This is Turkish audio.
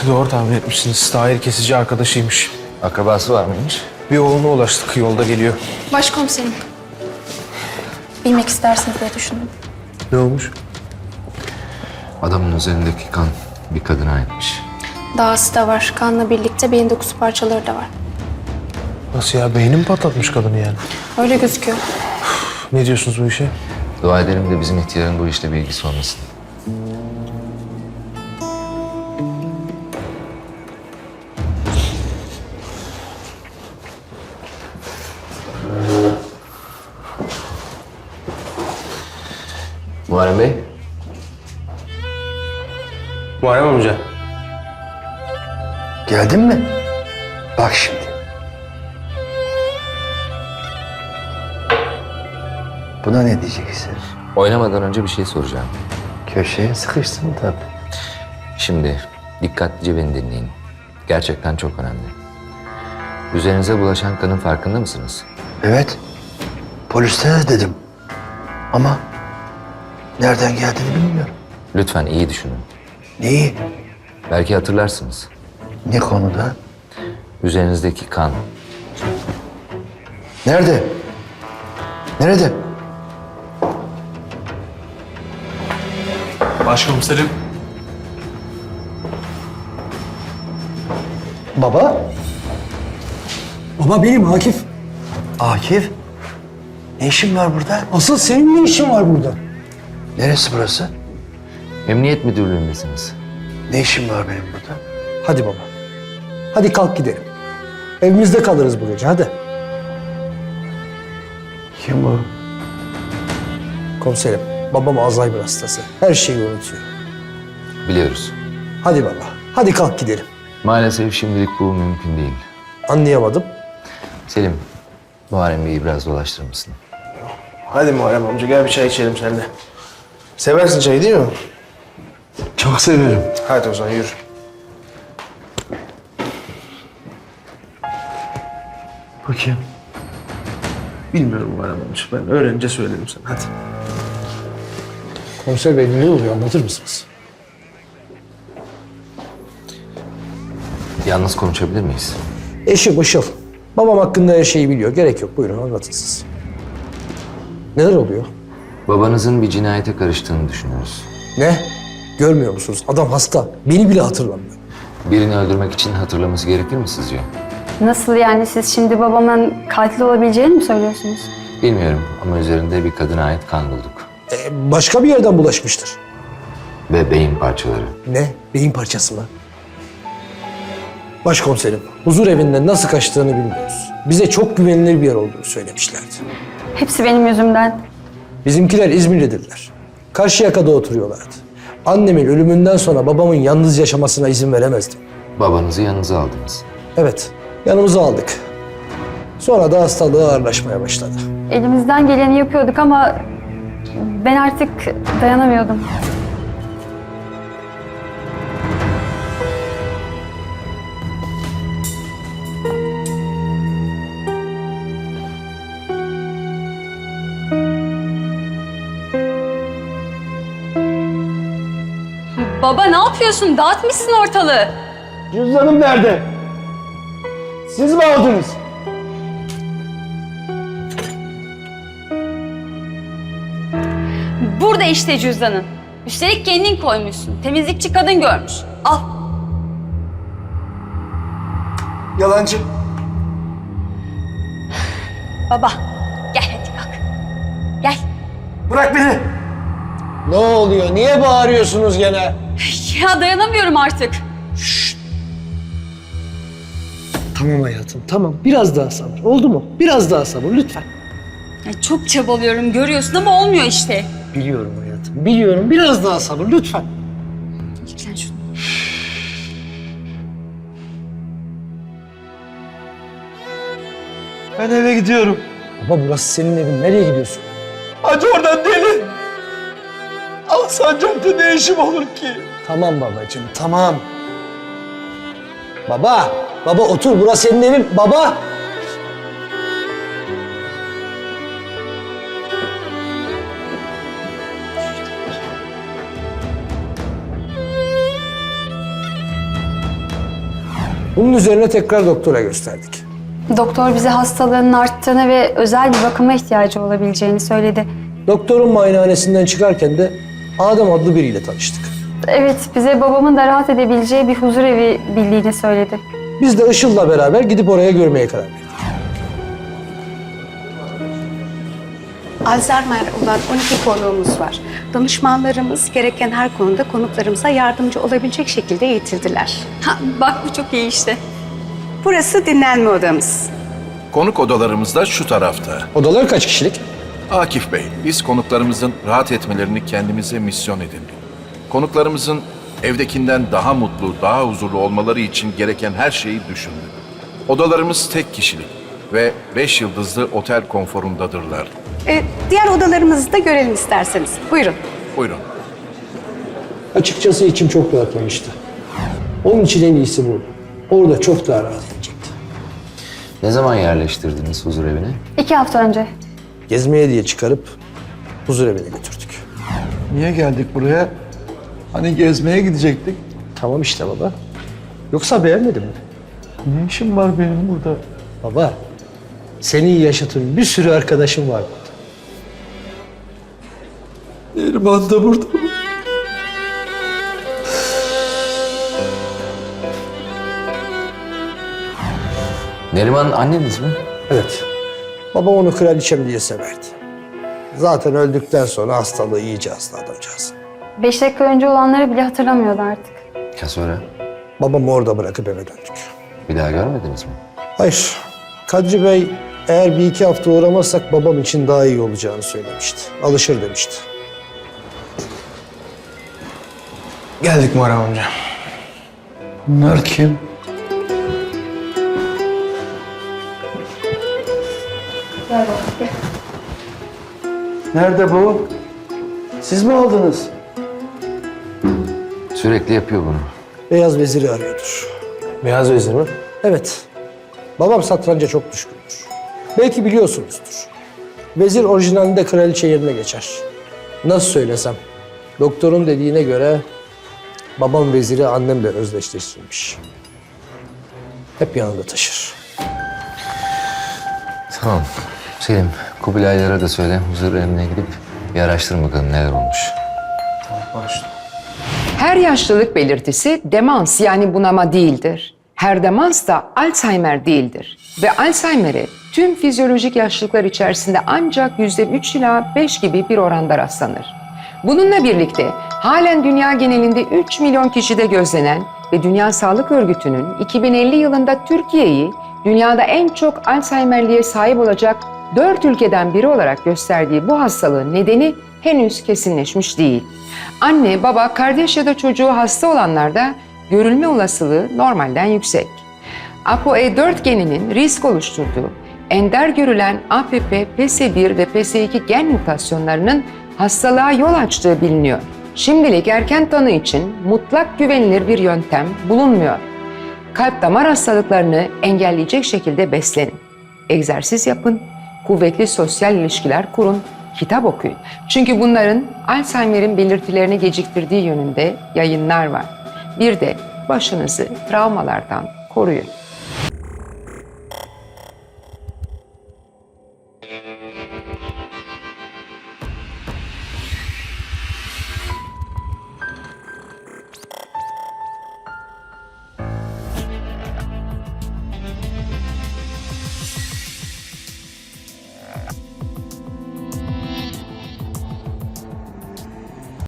Doğru tahmin etmişsiniz. Tahir kesici arkadaşıymış. Akrabası var mıymış? Bir oğluna ulaştık. Yolda geliyor. Başkomiserim. Bilmek istersiniz diye düşündüm. Ne olmuş? Adamın üzerindeki kan bir kadına aitmiş. Dağısı da var. Kanla birlikte beyin dokusu parçaları da var. Nasıl ya? Beyni mi patlatmış kadını yani? Öyle gözüküyor. Ne diyorsunuz bu işe? Dua edelim de bizim ihtiyarın bu işle bir ilgisi olmasın. Muharrem Bey. Muharrem amca. Geldin mi? Bak şimdi. Buna ne diyeceksin? Oynamadan önce bir şey soracağım. Köşeye sıkıştın tabii. Şimdi dikkatlice beni dinleyin. Gerçekten çok önemli. Üzerinize bulaşan kanın farkında mısınız? Evet. Poliste de dedim. Ama nereden geldiğini bilmiyorum. Lütfen iyi düşünün. Neyi? Belki hatırlarsınız. Ne konuda? Üzerinizdeki kan. Nerede? Nerede? Başkomiserim. Baba? Baba benim Akif. Akif? Ne işin var burada? Asıl senin ne işin var burada? Neresi burası? Emniyet müdürlüğündesiniz. Ne işin var benim burada? Hadi baba. Hadi kalk gidelim. Evimizde kalırız bu gece hadi. Kim bu? Komiserim, babam Alzheimer hastası. Her şeyi unutuyor. Biliyoruz. Hadi baba, hadi kalk gidelim. Maalesef şimdilik bu mümkün değil. Anlayamadım. Selim, Muharrem Bey'i biraz dolaştırır mısın? Hadi Muharrem amca gel bir çay içelim seninle. Seversin çayı değil mi? Çok severim. Hadi o zaman yürü. Bu kim? Bilmiyorum Muharrem amca. Ben öğrenince söylerim sana. Hadi. Komiser bey ne oluyor anlatır mısınız? Yalnız konuşabilir miyiz? Eşim Işıl. Babam hakkında her şeyi biliyor. Gerek yok. Buyurun anlatın siz. Neler oluyor? Babanızın bir cinayete karıştığını düşünüyoruz. Ne? Görmüyor musunuz? Adam hasta. Beni bile hatırlamıyor. Birini öldürmek için hatırlaması gerekir mi sizce? Nasıl yani siz şimdi babamın katil olabileceğini mi söylüyorsunuz? Bilmiyorum ama üzerinde bir kadına ait kan bulduk. Başka bir yerden bulaşmıştır. Ve beyin parçaları. Ne? Beyin parçası mı? Başkomiserim, huzur evinden nasıl kaçtığını bilmiyoruz. Bize çok güvenilir bir yer olduğunu söylemişlerdi. Hepsi benim yüzümden. Bizimkiler İzmirlidirler. Karşıyaka'da oturuyorlardı. Annemin ölümünden sonra babamın yalnız yaşamasına izin veremezdim. Babanızı yanınıza aldınız. Evet, yanımıza aldık. Sonra da hastalığı ağırlaşmaya başladı. Elimizden geleni yapıyorduk ama ben artık dayanamıyordum. Baba ne yapıyorsun? Dağıtmışsın ortalığı. Cüzdanım nerede? Siz mi aldınız? Burada işte cüzdanın. Üstelik kendin koymuşsun. Temizlikçi kadın görmüş. Al. Yalancı. Baba gel hadi kalk. Gel. Bırak beni. Ne oluyor? Niye bağırıyorsunuz gene? Ya dayanamıyorum artık. Tamam hayatım, tamam. Biraz daha sabır. Oldu mu? Biraz daha sabır lütfen. Ya çok çabalıyorum görüyorsun ama olmuyor işte. Biliyorum hayatım, biliyorum. Biraz daha sabır lütfen. Yüklen şunu. Ben eve gidiyorum. Baba burası senin evin. Nereye gidiyorsun? Hadi oradan deli. Alsancak'ta ne işim olur ki? Tamam babacığım, tamam. Baba otur. Burası senin evin. Baba. Bunun üzerine tekrar doktora gösterdik. Doktor bize hastalığının arttığını ve özel bir bakıma ihtiyacı olabileceğini söyledi. Doktorun muayenehanesinden çıkarken de Adem adlı biriyle tanıştık. Evet, bize babamın da rahat edebileceği bir huzur evi bildiğini söyledi. Biz de Işıl'la beraber gidip oraya görmeye karar verdik. Alzheimer olan 12 konuğumuz var. Danışmanlarımız gereken her konuda konuklarımıza yardımcı olabilecek şekilde eğitildiler. Ha, bak bu çok iyi işte. Burası dinlenme odamız. Konuk odalarımız da şu tarafta. Odalar kaç kişilik? Akif Bey, biz konuklarımızın rahat etmelerini kendimize misyon edindik. Konuklarımızın evdekinden daha mutlu, daha huzurlu olmaları için gereken her şeyi düşündük. Odalarımız tek kişilik ve 5 yıldızlı otel konforundadırlar. Diğer odalarımızı da görelim isterseniz. Buyurun. Buyurun. Açıkçası içim çok rahatlamıştı. Onun için en iyisi bu. Orada çok daha rahat edecekti. Ne zaman yerleştirdiniz huzur evine? 2 hafta önce. Gezmeye diye çıkarıp huzur evine götürdük. Niye geldik buraya? Hani gezmeye gidecektik. Tamam işte baba. Yoksa beğenmedin mi? Ne işim var benim burada? Baba, seni yaşatın bir sürü arkadaşım var burada. Neriman da burada. Neriman anneniz mi? Evet. Babam onu kraliçem diye severdi. Zaten öldükten sonra hastalığı iyice hasta adamcağız. 5 dakika önce olanları bile hatırlamıyordu artık. Ya sonra? Babamı orada bırakıp eve döndük. Bir daha görmediniz mi? Hayır. Kadri Bey eğer 1-2 hafta uğramazsak babam için daha iyi olacağını söylemişti. Alışır demişti. Geldik Muharrem amca. Bunlar kim? Gel baba, gel. Nerede bu? Siz mi aldınız? Sürekli yapıyor bunu. Beyaz Vezir'i arıyordur. Beyaz vezir mi? Evet. Babam satranca çok düşkündür. Belki biliyorsunuzdur. Vezir orijinalinde kraliçe yerine geçer. Nasıl söylesem? Doktorun dediğine göre babam veziri annemle özdeşleştirmiş. Hep yanında taşır. Tamam. Selim, Kubilaylara da söyle huzur evine gidip bir araştırın bakalım neler olmuş. Başla. Her yaşlılık belirtisi demans yani bunama değildir. Her demans da Alzheimer değildir. Ve Alzheimer'e tüm fizyolojik yaşlılıklar içerisinde ancak %3 ila 5 gibi bir oranda rastlanır. Bununla birlikte halen dünya genelinde 3 milyon kişide gözlenen ve Dünya Sağlık Örgütü'nün 2050 yılında Türkiye'yi dünyada en çok Alzheimer'liğe sahip olacak 4 ülkeden biri olarak gösterdiği bu hastalığın nedeni henüz kesinleşmiş değil. Anne, baba, kardeş ya da çocuğu hasta olanlarda görülme olasılığı normalden yüksek. ApoE4 geninin risk oluşturduğu ender görülen APP, PS1 ve PS2 gen mutasyonlarının hastalığa yol açtığı biliniyor. Şimdilik erken tanı için mutlak güvenilir bir yöntem bulunmuyor. Kalp damar hastalıklarını engelleyecek şekilde beslenin. Egzersiz yapın, kuvvetli sosyal ilişkiler kurun, kitap okuyun. Çünkü bunların Alzheimer'in belirtilerini geciktirdiği yönünde yayınlar var. Bir de başınızı travmalardan koruyun.